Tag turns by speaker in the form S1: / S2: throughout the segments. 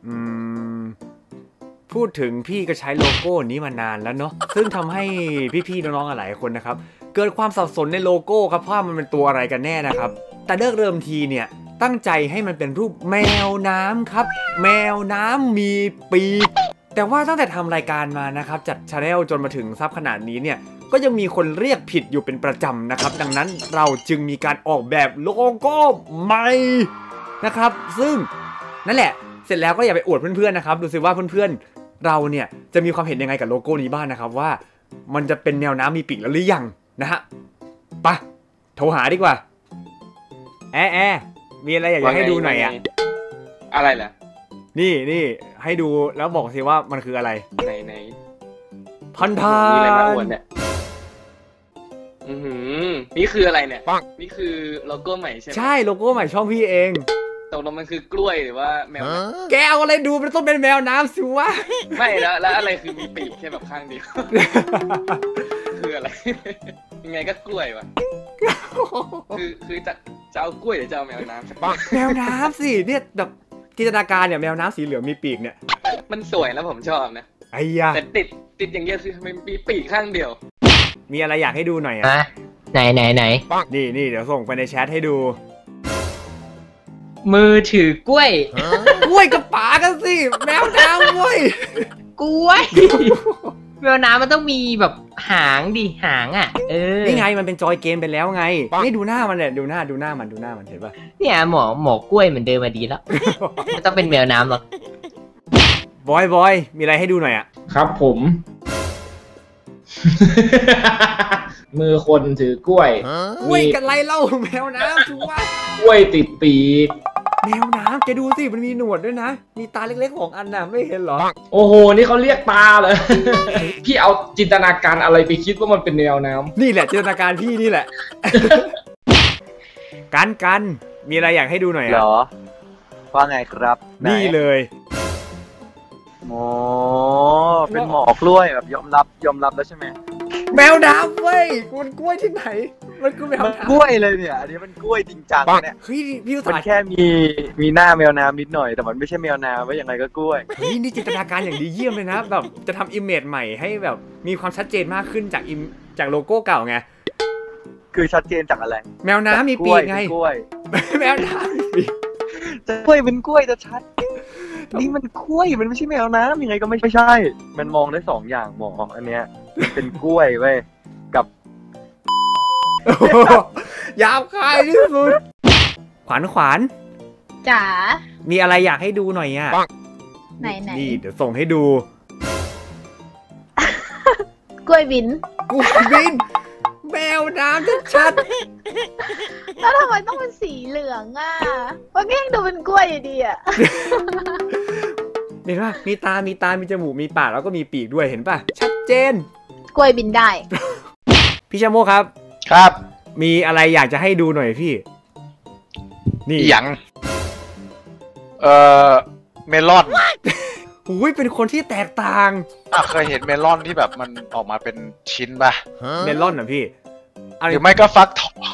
S1: อืมพูดถึงพี่ก็ใช้โลโก้นี้มานานแล้วเนาะซึ่งทำให้พี่ๆน้องๆหลายคนนะครับเกิดความสับสนในโลโก้ครับว่ามันเป็นตัวอะไรกันแน่นะครับแต่เริ่มทีเนี่ยตั้งใจให้มันเป็นรูปแมวน้ำครับแมวน้ำมีปีกแต่ว่าตั้งแต่ทำรายการมานะครับจัดชาแนลจนมาถึงซับขนาดนี้เนี่ยก็ยังมีคนเรียกผิดอยู่เป็นประจำนะครับดังนั้นเราจึงมีการออกแบบโลโก้ใหม่นะครับซึ่งนั่นแหละเสร็จแล้วก็อย่าไปอวดเพื่อนๆนะครับดูสิว่าเพื่อนๆเราเนี่ยจะมีความเห็นยังไงกับโลโก้นี้บ้างนะครับว่ามันจะเป็นแมวน้ำมีปีกแล้วหรือยังนะฮะไปโทรหาดีกว่าแอะมีอะไรอยากจะให้ดูหน่อยอะ
S2: อะไรล่ะ
S1: นี่ให้ดูแล้วบอกสิว่ามันคืออะไร
S2: ไหน
S1: พันธา
S2: มีอะไรมาอวดเนี่ยนี่คืออะไรเนี่ยนี่คือโลโก้ใหม่ใช่ไหม
S1: ใช่โลโก้ใหม่ช่องพี่เอง
S2: ตกลงมันคือกล้วยหรือว่าแมว
S1: แกเอาอะไรดูมันต้องเป็นแมวน้ำสิวะ
S2: ไม่แล้วอะไรคือมีปีกแค่แบบข้างเดียวคืออะไรยังไงก็กล้วยวะคือจะเอากล้วยหรือจะเอาแมวน้ำ
S1: แมวน้ำสิเนี่ยแบบจินตนาการเนี่ยแมวน้ำสีเหลืองมีปีกเนี่ย
S2: มันสวยแล้วผมชอบนะ
S1: ไอ้ยา
S2: แต่ติดอย่างเงี้ยคือมันมีปีกข้างเดียว
S1: มีอะไรอยากให้ดูหน่อยอ่ะ
S3: ไหน
S1: นี่เดี๋ยวส่งไปในแชทให้ดู
S3: มือถือกล้วย
S1: กล้วยกับป๋ากันสิแมวน้ำเว้ย
S3: กล้วยแมวน้ำมันต้องมีแบบหางดิหางอ่ะ
S1: นี่ไงมันเป็นจอยเกมไปแล้วไงนี่ดูหน้ามันเนี่ยดูหน้ามันเห็นป่ะ
S3: เนี่ยหมอกล้วยเหมือนเดิมมาดีแล้วไม่ต้องเป็นแมวน้ำหรอก
S1: บอยมีอะไรให้ดูหน่อยอ่ะ
S4: ครับผมมือคนถือกล้วย
S1: กล้วยกันไรเล่าแมวน้ำชัวร์
S4: กล้วยติดปีก
S1: แมวน้ำแกดูสิมันมีหนวดด้วยนะมีตาเล็กๆของอันน่ะไม่เห็นหรอ
S4: โอ้โหนี่เขาเรียกตาเลยพี่เอาจินตนาการอะไรไปคิดว่ามันเป็นแมวน้ำ
S1: นี่แหละจินตนาการพี่นี่แหละกันมีอะไรอยากให้ดูหน่อยอ่ะ
S5: หรอว่าไงครับ
S1: นี่เลย
S5: โอ้เป็นหมอกล้วยแบบยอมรับแล้วใช่ไหม
S1: แมวน้ำเว้ยมันกล้วยที่ไหนมันคือแมวน้ำ
S5: กล้วยเลยเนี่ยอันนี้มันกล้วยจริงจังเนี่ย
S1: เฮ้ยพี่
S5: มันแค่มีหน้าแมวน้ำนิดหน่อยแต่มันไม่ใช่แมวน้ำว่ายังไงก็กล้วย
S1: เฮ้ยนี่จินตนาการอย่างดีเยี่ยมเลยนะแบบจะทำอิมเมจใหม่ให้แบบมีความชัดเจนมากขึ้นจากโลโก้เก่าไง
S5: คือชัดเจนจากอะไร
S1: แมวน้ำมีปีกไง
S5: กล้วย
S1: แมวน้ำมีปีก
S5: จะกล้วยเป็นกล้วยจะชัดนี่มันกล้วยมันไม่ใช่แมวน้ำยังไงก็ไม่ใช่มันมองได้2อย่างหมออันเนี้ยเป็นกล้วยเว้ยกับ
S1: ยาวคายที่สุดขวาน
S6: จ๋า
S1: มีอะไรอยากให้ดูหน่อยอ่ะ
S6: ไหน
S1: นี่เดี๋ยวส่งให้ดู
S6: กล้วยบิน
S1: แมวน้ำชัด
S6: แล้วทำไมต้องเป็นสีเหลืองอ่ะมันก็ยังดูเป็นกล้วยอยู่ดีอ่ะ
S1: เห็นป่ะมีตามีจมูกมีปากแล้วก็มีปีกด้วยเห็นป่ะชัดเจน
S6: กล้วยบินได้
S1: พี่ชาโมครับมีอะไรอยากจะให้ดูหน่อยพี่
S7: นี่อย่างเมลอน
S1: หูยเป็นคนที่แตกต่าง
S7: เคยเห็นเมลอนที่แบบมันออกมาเป็นชิ้นป่ะ
S1: เมลอนเหรอพี่
S7: หรือไม่ก็ฟักทอง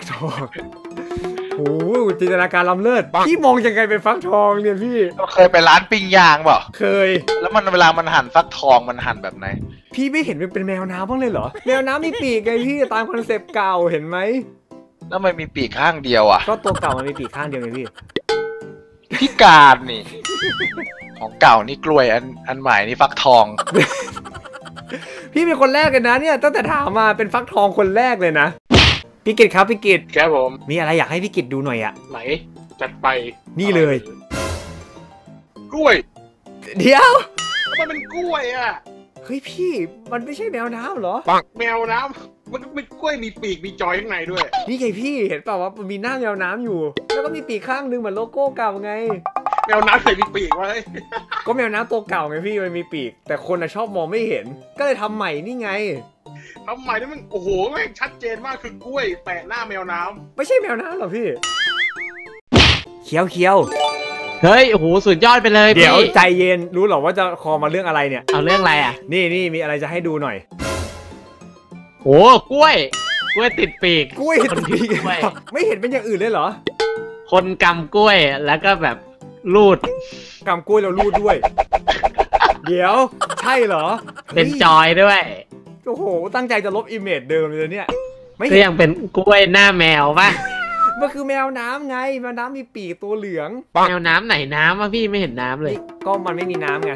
S1: โอ้จินตนาการล้ำเลิศพี่มองยังไงเป็นฟักทองเนี่ยพี่
S7: เคยไปร้านปิ้งย่างเปล่า
S1: เคย
S7: แล้วมันเวลามันหั่นฟักทองมันหั่นแบบไหน
S1: พี่ไม่เห็นมันเป็นแมวน้ำบ้างเลยเหรอแมวน้ำมีปีกไงพี่ตามคอนเซปต์เก่าเห็นไหม
S7: แล้วมันมีปีกข้างเดียวอ่ะ
S1: ก็ตัวเก่ามันมีปีกข้างเดียวไงพี่
S7: พิการนี่ของเก่านี่กล้วยอันใหม่นี่ฟักทอง
S1: พี่เป็นคนแรกเลยนะเนี่ยตั้งแต่ถามมาเป็นฟักทองคนแรกเลยนะพี่กิตครับพี่กิต
S2: ครับผม
S1: มีอะไรอยากให้พี่กิตดูหน่อยอะ
S2: ไหนจัดไป
S1: นี่เลย
S2: กล้วย
S1: เดี๋ยว
S2: มันเป็นกล้วยอ่ะ
S1: เฮ้ยพี่มันไม่ใช่แมวน้ำเหรอ
S2: แมวน้ำมันเป็นกล้วยมีปีกมีจอยข้างในด้วย
S1: นี่ไงพี่เห็นเปล่าว่ามันมีหน้าแมวน้ำอยู่แล้วก็มีปีกข้างนึงเหมือนโลโก้เก่าไง
S2: แมวน้ำใส่มีปีกไว้
S1: ก็แมวน้ำตัวเก่าไงพี่มันมีปีกแต่คนชอบมองไม่เห็นก็เลยทำใหม่นี่ไง
S2: ทำใหม่นี่มันโอ้โหแม่งชัดเจนมากคือกล้วยแปะหน้าแมวน้
S1: ำไม่ใช่แมวน้ำหรอพี่เคี้ยว
S3: เฮ้ยโอ้โหสุดยอดไปเลย
S1: เดี๋ยวใจเย็นรู้หรอว่าจะคอมาเรื่องอะไรเนี่ย
S3: เอาเรื่องอะไรอ่ะ
S1: นี่มีอะไรจะให้ดูหน่อย
S3: โอ้กล้วยติดปีก
S1: กล้วยติดปีกไม่เห็นเป็นอย่างอื่นเลยเหรอ
S3: คนกำกล้วยแล้วก็แบบรูด
S1: กำกล้วยเรารูดด้วย เดี๋ยวใช่เหรอ
S3: เป็นจอยด้วย
S1: โอ้โหตั้งใจจะลบอิมเมจเดิมเลยเนี่ยไม่
S3: ก็ยังเป็นกล้วยหน้าแมวป่ะ
S1: มันคือแมวน้ำไงแมวน้ำมีปีกตัวเหลือง
S3: แมวน้ำไหนน้ำวะพี่ไม่เห็นน้ำเลย
S1: ก็มันไม่มีน้ำไง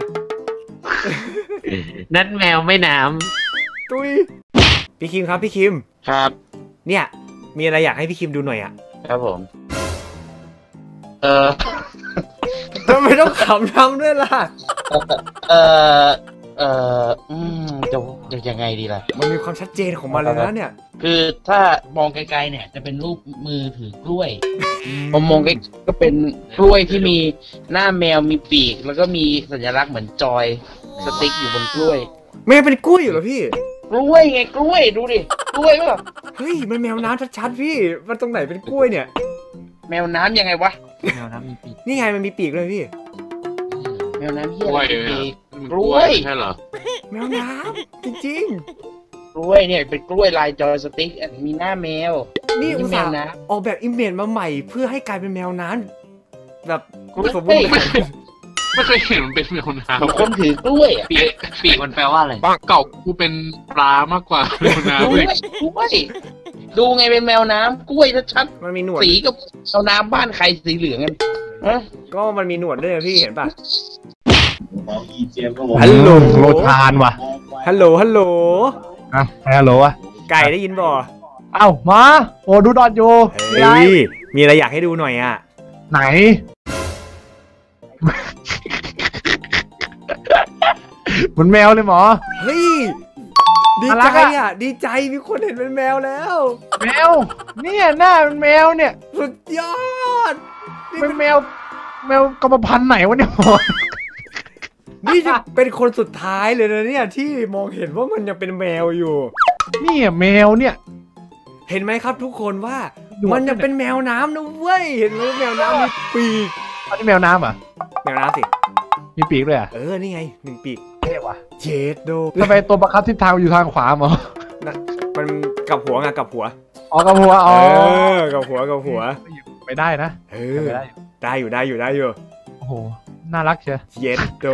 S3: นั่นแมวไม่น้
S1: ตุยพี่คิมครับพี่คิม
S7: ครับ
S1: เนี่ยมีอะไรอยากให้พี่คิมดูหน่อยอะ
S7: ครับผม
S1: ทำไมต้องขำทำด้วยล่ะ
S8: จะยังไงดีล่ะ
S1: มันมีความชัดเจนของมันเลยนะเนี่ย
S8: คือถ้ามองไกลๆเนี่ยจะเป็นรูปมือถือกล้วยผมมองไกลก็เป็นกล้วยที่มีหน้าแมวมีปีก แล้วก็มีสัญลักษณ์เหมือนจอยสติ๊กอยู่บนกล้วย
S1: แมวเป็นกล้วยอยู่เหรอพี่
S8: กล้วยไงกล้วยดูดิกล้วยป่ะ
S1: เฮ้ยมันแมวน้ำชัดๆพี่มันตรงไหนเป็นกล้วยเนี่ย
S8: แมวน้ำยังไงวะ
S5: แมวน้ำมีปีก
S1: นี่ไงมันมีปีกเลยพี่
S8: แมวน้ำเฮีย
S7: กล้วย
S8: อะไรปีก
S7: กล้วยใช่เหรอ
S1: แมวน้ำจริง
S8: กล้วยเนี่ยเป็นกล้วยลายจอยสติ๊กมีหน้าแมว
S1: ๆนี่อุตส่าห์
S8: แมวน้ำ
S1: ออกแบบอิมเมจมาใหม่เพื่อให้กลายเป็นแมวน้ำแบบ
S8: กล้วย
S1: สมบูรณ์แบบ
S7: ไม่เคยเห็นมันเป็นแมวน้
S8: คนถือกล้วยอ่ะ
S7: ำปีกมันแปลว่าอะไรเก่ากูเป็นปลามากกว่าแมว
S8: ก
S7: น้ำ
S8: ล้วย
S7: เลย
S8: กล้วยดูไงเป็นแมวน้ำกล้วยชัด
S1: มันมีหนวด
S8: ๆสีกับแมวน้ำบ้านใครสีเหลืองกันฮะ
S1: ก็มันมีหนวดด้วยนะพี่เห็นปะ
S5: ฮัลโหลโลทานว่ะ
S1: ฮัลโหลฮัลโหล
S5: อ่ะฮัลโหลอ่ะ
S1: ไก่ได้ยินบ่
S5: เอ้ามาโอ้ดูดอดอยู่มีอะไร
S1: เฮ้ยมีอะไรอยากให้ดูหน่อยอ่ะ
S5: ไหน เหมือนแมวเลยหมอ
S1: เฮ้ยดี
S5: น่ารั
S1: ใจ
S5: กอะ
S1: อ่ะดีใจมีคนเห็นเป็นแมวแล้ว
S5: แมวเนี่ยหน้าเป็นแมวเนี่ย
S1: สุดยอดนี่
S5: เป็นแมวกรรมพันธุ์ไหนวะเนี่ยหมอ
S1: นี่จะเป็นคนสุดท้ายเลยนะเนี่ยที่มองเห็นว่ามันยังเป็นแมวอยู่
S5: เนี่ยแมวเนี่ย
S1: เห็นไหมครับทุกคนว่า
S5: หนวด
S1: มันยังเป็นแมวน้ำนะเว้ยเห็นไหมแมวน้ำมีปีก
S5: อันนี้แมวน้ำเหรอ่ะ
S1: แมวน้ำสิ
S5: มีปีกด้วยอ่ะ
S1: นี่ไง1 ปีก
S5: เท่ว่ะ
S1: เจดโด
S5: ทำไมตัวประคับทิศทางอยู่ทางขวาหมอ
S1: มันกลับหัวไงกลับหัว
S5: อ๋อกระหัวอ๋อ
S1: กับหัวกับหัว
S5: ไปได้นะ
S1: ไปได้อยู่ได้อยู่
S5: โอ้โหน่ารักเชียว
S1: เย็ดโด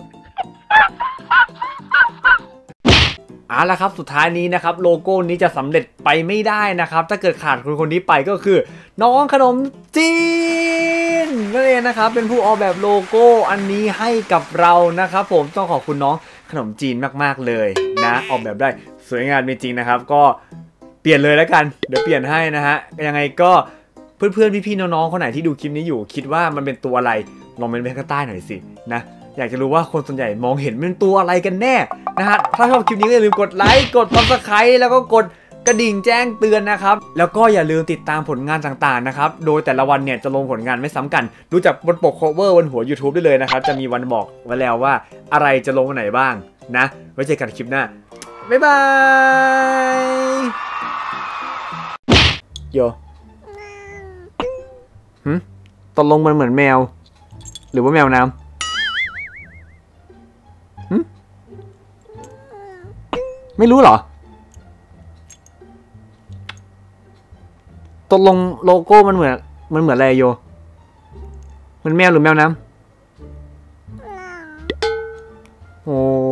S1: เอาละครับสุดท้ายนี้นะครับโลโก้นี้จะสำเร็จไปไม่ได้นะครับถ้าเกิดขาดคนนี้ไปก็คือ น้องขนมจีนนั่นเองนะครับเป็นผู้ออกแบบโลโก้อันนี้ให้กับเรานะครับผมต้องขอบคุณน้องขนมจีนมากๆเลยนะออกแบบได้สวยงามจริงๆนะครับก็เปลี่ยนเลยแล้วกันเดี๋ยวเปลี่ยนให้นะฮะยังไงก็เพื่อนๆพี่ๆน้องๆคนไหนที่ดูคลิปนี้อยู่คิดว่ามันเป็นตัวอะไรลองเมนต์ไว้ข้างใต้หน่อยสินะอยากจะรู้ว่าคนส่วนใหญ่มองเห็นเป็นตัวอะไรกันแน่นะฮะถ้าชอบคลิปนี้ก็อย่าลืมกดไลค์กด Subscribe แล้วก็กดกระดิ่งแจ้งเตือนนะครับแล้วก็อย่าลืมติดตามผลงานต่างๆนะครับโดยแต่ละวันเนี่ยจะลงผลงานไม่ซ้ำกันดูจากบนปก cover บนหัว YouTube ได้เลยนะครับจะมีวันบอกไว้แล้วว่าอะไรจะลงวันไหนบ้างนะไว้เจอกันคลิปหน้าบ๊ายบายโยตกลงมันเหมือนแมวหรือว่าแมวน้ำไม่รู้เหรอตกลงโลโก้มันเหมือนอะไรโยมันแมวหรือแมวน้ำโอ้